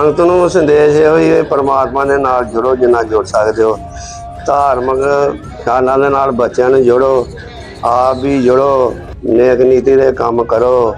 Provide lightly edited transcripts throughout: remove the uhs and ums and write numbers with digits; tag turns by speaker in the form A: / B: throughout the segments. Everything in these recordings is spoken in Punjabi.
A: ਸੰਗਤ ਨੂੰ ਸੰਦੇਸ਼ ਇਹੋ ਹੀ परमात्मा ਦੇ ਨਾਲ ਜੁੜੋ ਜਿੰਨਾ ਜੁੜ ਸਕਦੇ ਹੋ। ਧਾਰਮਿਕ ਖਿਆਲਾਂ ਦੇ ਨਾਲ ਬੱਚਿਆਂ ਨੂੰ ਜੋੜੋ, ਆਪ ਵੀ ਜੁੜੋ, ਨੇਕ ਨੀਤੀ ਦੇ ਕੰਮ ਕਰੋ।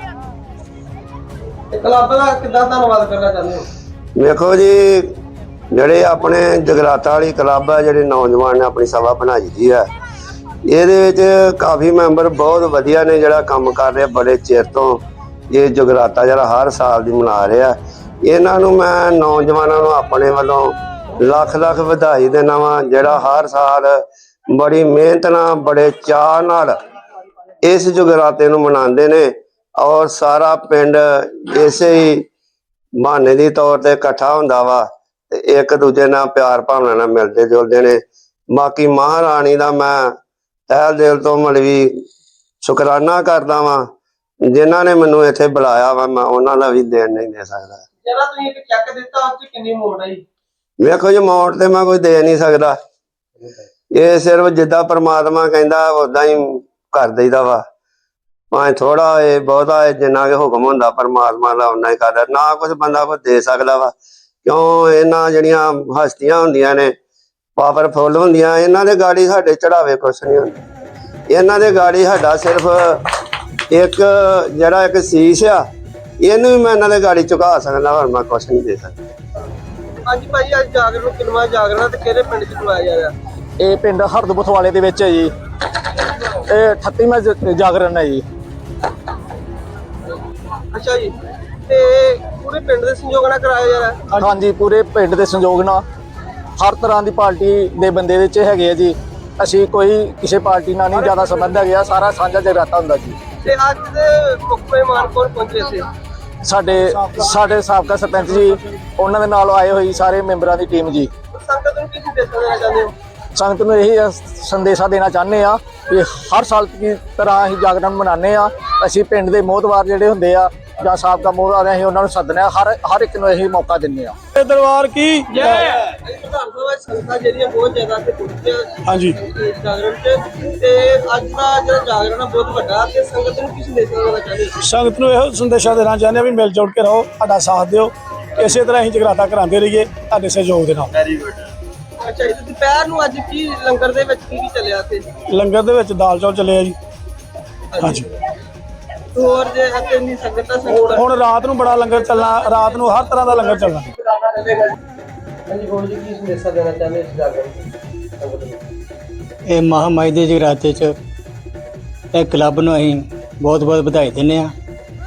B: ਕਲੱਬ ਦਾ ਕਿੱਦਾਂ ਧੰਨਵਾਦ ਕਰਨਾ ਚਾਹੁੰਦੇ ਹੋ?
A: ਵੇਖੋ ਜੀ, ਜਿਹੜੇ ਆਪਣੇ ਜਗਰਾਤਾ ਵਾਲੀ ਕਲੱਬ ਆ, ਜਿਹੜੇ ਨੌਜਵਾਨ ਨੇ ਆਪਣੀ ਸਭਾ ਬਣਾਈ ਦੀ ਆ, ਇਹਦੇ ਵਿੱਚ ਕਾਫੀ ਮੈਂਬਰ ਬਹੁਤ ਵਧੀਆ ਨੇ, ਜਿਹੜਾ ਕੰਮ ਕਰ ਰਿਹਾ ਬੜੇ ਚਿਰ ਤੋਂ। ਇਹ ਜਗਰਾਤਾ ਜਿਹੜਾ ਹਰ ਸਾਲ ਦੀ ਮਨਾ ਰਿਹਾ, ਇਹਨਾਂ ਨੂੰ ਮੈਂ ਨੌਜਵਾਨਾਂ ਨੂੰ ਆਪਣੇ ਵੱਲੋਂ ਲੱਖ ਲੱਖ ਵਧਾਈ ਦੇਣਾ ਵਾ, ਜਿਹੜਾ ਹਰ ਸਾਲ ਬੜੀ ਮਿਹਨਤ ਨਾਲ ਬੜੇ ਚਾਅ ਨਾਲ ਇਸ ਜਗਰਾਤੇ ਨੂੰ ਮਨਾਉਂਦੇ ਨੇ। ਔਰ ਸਾਰਾ ਪਿੰਡ ਇਸੇ ਹੀ ਬਹਾਨੇ ਦੀ ਤੌਰ ਤੇ ਇਕੱਠਾ ਹੁੰਦਾ ਵਾ ਤੇ ਇੱਕ ਦੂਜੇ ਨਾਲ ਪਿਆਰ ਭਾਵਨਾ ਨਾਲ ਮਿਲਦੇ ਜੁਲਦੇ ਨੇ। ਬਾਕੀ ਮਹਾਰਾਣੀ ਦਾ ਮੈਂ ਤਹਿ ਦਿਲ ਤੋਂ ਮਤਲਬ ਸ਼ੁਕਰਾਨਾ ਕਰਦਾ ਵਾਂ, ਜਿਨ੍ਹਾਂ ਨੇ ਮੈਨੂੰ ਇੱਥੇ ਬੁਲਾਇਆ ਵਾ। ਮੈਂ ਉਹਨਾਂ ਦਾ ਵੀ ਦੇਣ ਨਹੀਂ ਦੇ ਸਕਦਾ।
B: ਜਿਹੜਾ ਤੁਸੀਂ ਇੱਕ ਚੈੱਕ ਦਿੱਤਾ ਉਹ 'ਚ ਕਿੰਨੀ ਮੋੜ ਆਈ?
A: ਵੇਖੋ ਜੀ, ਅਮਾਊਂਟ ਤੇ ਮੈਂ ਕੋਈ ਦੇ ਨਹੀਂ ਸਕਦਾ, ਇਹ ਸਿਰਫ ਜਿੱਦਾਂ ਪ੍ਰਮਾਤਮਾ ਕਹਿੰਦਾ ਉਦਾਂ ਹੀ ਕਰ ਦਈਦਾ ਵਾ। ਭਾਵੇਂ ਥੋੜਾ ਹੋਏ ਬਹੁਤਾ ਹੋਏ, ਜਿੰਨਾ ਕਿ ਹੁਕਮ ਹੁੰਦਾ ਪ੍ਰਮਾਤਮਾ ਦਾ ਉਨਾ ਹੀ ਕਰਦਾ। ਨਾ ਕੁਝ ਬੰਦਾ ਕੋਈ ਦੇ ਸਕਦਾ ਵਾ, ਕਿਉਂ ਇਹਨਾਂ ਜਿਹੜੀਆਂ ਹਸਤੀਆਂ ਹੁੰਦੀਆਂ ਨੇ ਪਾਵਰਫੁੱਲ ਹੁੰਦੀਆਂ, ਇਹਨਾਂ ਦੇ ਗਾੜੀ ਸਾਡੇ ਚੜਾਵੇ ਕੁਛ ਨਹੀਂ ਹੁੰਦੇ। ਇਹਨਾਂ ਦੇ ਗਾੜੀ ਸਾਡਾ ਸਿਰਫ ਇੱਕ ਜਿਹੜਾ ਇੱਕ ਸੀਸ ਆ, ਇਹਨੂੰ ਵੀ ਮੈਂ ਇਹਨਾਂ ਦੇ ਗਾੜੀ ਝੁਕਾ ਸਕਦਾ, ਹੋਰ ਮੈਂ ਕੁਛ ਨਹੀਂ ਦੇ ਸਕਦਾ।
B: ਹਾਂਜੀ ਭਾਈ, ਅੱਜ ਜਾਗਰਣ ਕਿੰਨਵਾਂ ਜਾਗਰਣ ਤੇ ਕਿਹੜੇ ਪਿੰਡ 'ਚ ਕਰਵਾਇਆ ਜਾ ਰਿਹਾ?
C: ਇਹ ਪਿੰਡ ਹਰਦਬਥਵਾਲੇ ਦੇ ਵਿੱਚ ਹੈ ਜੀ। ਇਹ 38ਵਾਂ ਜਾਗਰਣ ਹੈ ਜੀ।
B: ਅੱਛਾ ਜੀ, ਤੇ ਪੂਰੇ ਪਿੰਡ ਦੇ ਸੰਯੋਗ ਨਾਲ ਕਰਾਇਆ ਜਾ ਰਿਹਾ?
C: ਹਾਂਜੀ, ਪੂਰੇ ਪਿੰਡ ਦੇ ਸੰਯੋਗ ਨਾਲ ਹਰ ਤਰ੍ਹਾਂ ਦੀ ਪਾਰਟੀ ਦੇ ਬੰਦੇ ਵਿੱਚ ਹੈਗੇ ਆ ਜੀ। ਅਸੀਂ ਕੋਈ ਕਿਸੇ ਪਾਰਟੀ ਨਾਲ ਨਹੀਂ ਜ਼ਿਆਦਾ ਸੰਬੰਧ ਹੈਗਾ, ਸਾਰਾ ਸਾਂਝਾ ਜਗਰਾਤਾ ਹੁੰਦਾ ਜੀ।
B: ਤੇ ਅੱਜ ਦੇ ਮੁੱਖ ਮਹਿਮਾਨ ਕੌਣ ਪਹੁੰਚੇ ਸੀ?
C: ਸਾਡੇ ਸਾਬਕਾ ਸਰਪੰਚ ਜੀ, ਉਹਨਾਂ ਦੇ ਨਾਲ ਆਏ ਹੋਈ ਸਾਰੇ ਮੈਂਬਰਾਂ ਦੀ ਟੀਮ ਜੀ।
B: ਸੰਗਤ ਨੂੰ ਕੀ ਸੰਦੇਸ਼ ਦੇਣਾ ਚਾਹੁੰਦੇ ਹੋ?
C: ਸੰਗਤ ਨੂੰ ਇਹੀ ਸੰਦੇਸ਼ਾ ਦੇਣਾ ਚਾਹੁੰਦੇ ਆ ਕਿ ਹਰ ਸਾਲ ਦੀ ਤਰ੍ਹਾਂ ਅਸੀਂ ਜਾਗਰਣ ਮਨਾਉਂਦੇ ਆ। ਅਸੀਂ ਪਿੰਡ ਦੇ ਮੋਹਤਵਾਰ ਜਿਹੜੇ ਹੁੰਦੇ ਆ ਜਾਂ ਸਾਬਕਾ ਮੋਹਤਵਾਰ, ਅਸੀਂ ਉਹਨਾਂ ਨੂੰ ਸੱਦਦੇ ਆ, ਹਰ ਇੱਕ ਨੂੰ ਇਹੀ ਮੌਕਾ ਦਿੰਦੇ ਆ।
D: ਦਰਬਾਰ ਕੀ
B: ਜੈ। ਪ੍ਰਧਾਨ ਸਾਹਿਬ, ਸੰਗਤਾਂ ਜਿਹੜੀਆਂ ਬਹੁਤ ਜ਼ਿਆਦਾ ਤੇ ਪਹੁੰਚੀਆਂ
D: ਹਾਂਜੀ
B: ਜਾਗਰਣ 'ਚ, ਤੇ ਅੱਜ ਦਾ ਜਿਹੜਾ ਜਾਗਰਣ ਆ ਬਹੁਤ ਵੱਡਾ, ਤੇ ਸੰਗਤ ਨੂੰ ਕੀ ਸੰਦੇਸ਼ ਦੇਣਾ ਚਾਹੁੰਦੇ ਹੋ?
D: ਸੰਗਤ ਨੂੰ ਇਹੋ ਸੰਦੇਸ਼ਾ ਦੇਣਾ ਚਾਹੁੰਦੇ ਆ ਵੀ ਮਿਲ ਜੁਲ ਕੇ ਰਹੋ, ਸਾਡਾ ਸਾਥ ਦਿਓ, ਇਸੇ ਤਰ੍ਹਾਂ ਅਸੀਂ ਜਗਰਾਤਾ ਕਰਾਉਂਦੇ ਰਹੀਏ ਤੁਹਾਡੇ ਸਹਿਯੋਗ ਦੇ ਨਾਲ।
B: ਅੱਛਾ ਜੀ, ਦੁਪਹਿਰ ਨੂੰ ਅੱਜ ਕੀ ਲੰਗਰ ਦੇ ਵਿੱਚ ਕੀ ਚੱਲਿਆ ਤੇ?
D: ਲੰਗਰ ਦੇ ਵਿੱਚ ਦਾਲ ਚੌਲ ਚੱਲੇ ਆ ਜੀ। ਹਾਂਜੀ,
B: ਹੋਰ ਜੇ ਅਤੇ ਨਹੀਂ ਸੰਗਤ ਦਾ ਸੰਗਤ
D: ਹੁਣ ਰਾਤ ਨੂੰ ਬੜਾ ਲੰਗਰ ਚੱਲਣਾ, ਰਾਤ ਨੂੰ ਹਰ ਤਰ੍ਹਾਂ ਦਾ ਲੰਗਰ ਚੱਲਣਾ।
B: ਹਾਂਜੀ, ਹੋਰ ਜੀ ਕੀ ਸੰਦੇਸ਼ਾ ਦੇਣਾ ਚਾਹੁੰਦੇ ਇਸ ਜਾਗਰਣ ਸੰਗਤ ਨੂੰ?
E: ਇਹ ਮਹਾਮਾਈ ਦੇ ਜਗਰਾਤੇ 'ਚ ਇਹ ਕਲੱਬ ਨੂੰ ਅਸੀਂ ਬਹੁਤ ਬਹੁਤ ਵਧਾਈ ਦਿੰਦੇ ਹਾਂ।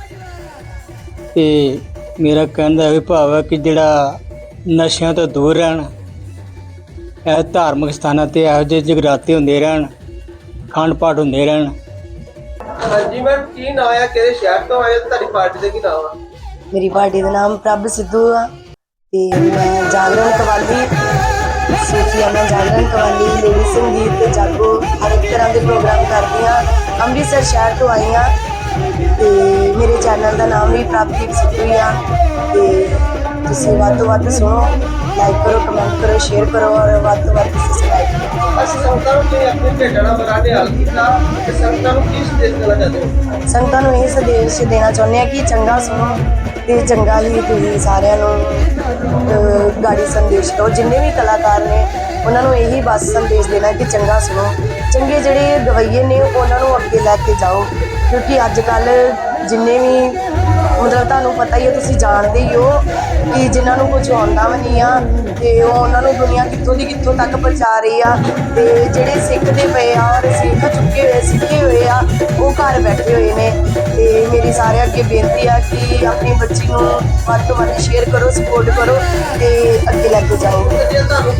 E: ਤੇ ਮੇਰਾ ਕਹਿਣ ਦਾ ਇਹ ਭਾਵ ਹੈ ਕਿ ਜਿਹੜਾ ਨਸ਼ਿਆਂ ਤੋਂ ਦੂਰ ਰਹਿਣ, ਇਹ ਧਾਰਮਿਕ ਸਥਾਨਾਂ 'ਤੇ ਇਹੋ ਜਿਹੇ ਜਗਰਾਤੇ ਹੁੰਦੇ ਰਹਿਣ, ਅਖੰਡ ਪਾਠ ਹੁੰਦੇ ਰਹਿਣ।
B: ਹਾਂਜੀ ਮੈਮ, ਕੀ ਨਾਮ ਆ, ਕਿਹੜੇ ਸ਼ਹਿਰ ਤੋਂ ਆਏ, ਤੁਹਾਡੀ ਪਾਰਟੀ ਦਾ ਕੀ ਨਾਮ ਆ?
F: ਮੇਰੀ ਪਾਰਟੀ ਦਾ ਨਾਮ ਪ੍ਰਭ ਸਿੱਧੂ ਆ ਤੇ ਮੈਂ ਜਾਗਰਣ ਕਵਾਲੀ, ਸੂਫੀਆਨਾ ਜਾਗਰਣ ਕਵਾਲੀ, ਲੇਡੀ ਸੰਗੀਤ ਤੇ ਜਾਗੋ ਹਰ ਇੱਕ ਤਰ੍ਹਾਂ ਦੇ ਪ੍ਰੋਗਰਾਮ ਕਰਦੀ ਹਾਂ। ਅੰਮ੍ਰਿਤਸਰ ਸ਼ਹਿਰ ਤੋਂ ਆਈ ਹਾਂ ਤੇ ਮੇਰੇ ਚੈਨਲ ਦਾ ਨਾਮ ਵੀ ਪ੍ਰਭਦੀਪ ਸਿੱਧੂ ਆ। ਤੇ ਤੁਸੀਂ ਵੱਧ ਤੋਂ ਵੱਧ ਸੁਣੋ, ਲਾਈਕ ਕਰੋ, ਕਮੈਂਟ ਕਰੋ, ਸ਼ੇਅਰ ਕਰੋ ਔਰ ਵੱਧ ਤੋਂ ਵੱਧ ਸਬਸਕ੍ਰਾਈਬ ਕਰੋ।
B: ਅਸੀਂ ਸੰਗਤਾਂ ਨੂੰ ਤੁਸੀਂ ਆਪਣੇ ਭੇਟਾਂ ਨਾਲ ਬਣਾ ਕੇ ਹੱਲ ਕੀਤਾ, ਤੇ ਸੰਗਤਾਂ ਨੂੰ ਕੀ ਸੰਦੇਸ਼ ਦੇਣਾ ਚਾਹੁੰਦੇ ਹੋ?
F: ਸੰਗਤਾਂ ਨੂੰ ਇਹ ਸੰਦੇਸ਼ ਦੇਣਾ ਚਾਹੁੰਦੇ ਹਾਂ ਕਿ ਚੰਗਾ ਸੁਣੋ ਤੇ ਚੰਗਾ ਹੀ ਤੁਸੀਂ ਸਾਰਿਆਂ ਨੂੰ ਗਾੜੀ ਸੰਦੇਸ਼ ਦਿਓ। ਜਿੰਨੇ ਵੀ ਕਲਾਕਾਰ ਨੇ ਉਹਨਾਂ ਨੂੰ ਇਹੀ ਬਸ ਸੰਦੇਸ਼ ਦੇਣਾ ਕਿ ਚੰਗਾ ਸੁਣੋ, ਚੰਗੇ ਜਿਹੜੇ ਗਵਈਏ ਨੇ ਉਹਨਾਂ ਨੂੰ ਅੱਗੇ ਲੈ ਕੇ ਜਾਓ। ਕਿਉਂਕਿ ਅੱਜ ਕੱਲ੍ਹ ਜਿੰਨੇ ਵੀ ਮਤਲਬ ਤੁਹਾਨੂੰ ਪਤਾ ਹੀ ਹੈ, ਤੁਸੀਂ ਜਾਣਦੇ ਹੀ ਹੋ ਕਿ ਜਿਨ੍ਹਾਂ ਨੂੰ ਕੁਝ ਆਉਂਦਾ ਵੀ ਨਹੀਂ ਆ ਤੇ ਉਹ ਉਹਨਾਂ ਨੂੰ ਦੁਨੀਆ ਕਿੱਥੋਂ ਦੀ ਕਿੱਥੋਂ ਤੱਕ ਪਹੁੰਚਾ ਰਹੀ ਆ। ਤੇ ਜਿਹੜੇ ਸਿੱਖਦੇ ਪਏ ਆ ਔਰ ਸਿੱਖੇ ਹੋਏ ਆ, ਉਹ ਘਰ ਬੈਠੇ ਹੋਏ ਨੇ। ਤੇ ਮੇਰੀ ਸਾਰਿਆਂ ਅੱਗੇ ਬੇਨਤੀ ਆ ਕਿ ਆਪਣੀ ਬੱਚੀ ਨੂੰ ਵੱਧ ਤੋਂ ਵੱਧ ਸ਼ੇਅਰ ਕਰੋ, ਸਪੋਰਟ ਕਰੋ ਤੇ ਅੱਗੇ ਲੈ ਕੇ ਜਾਓ।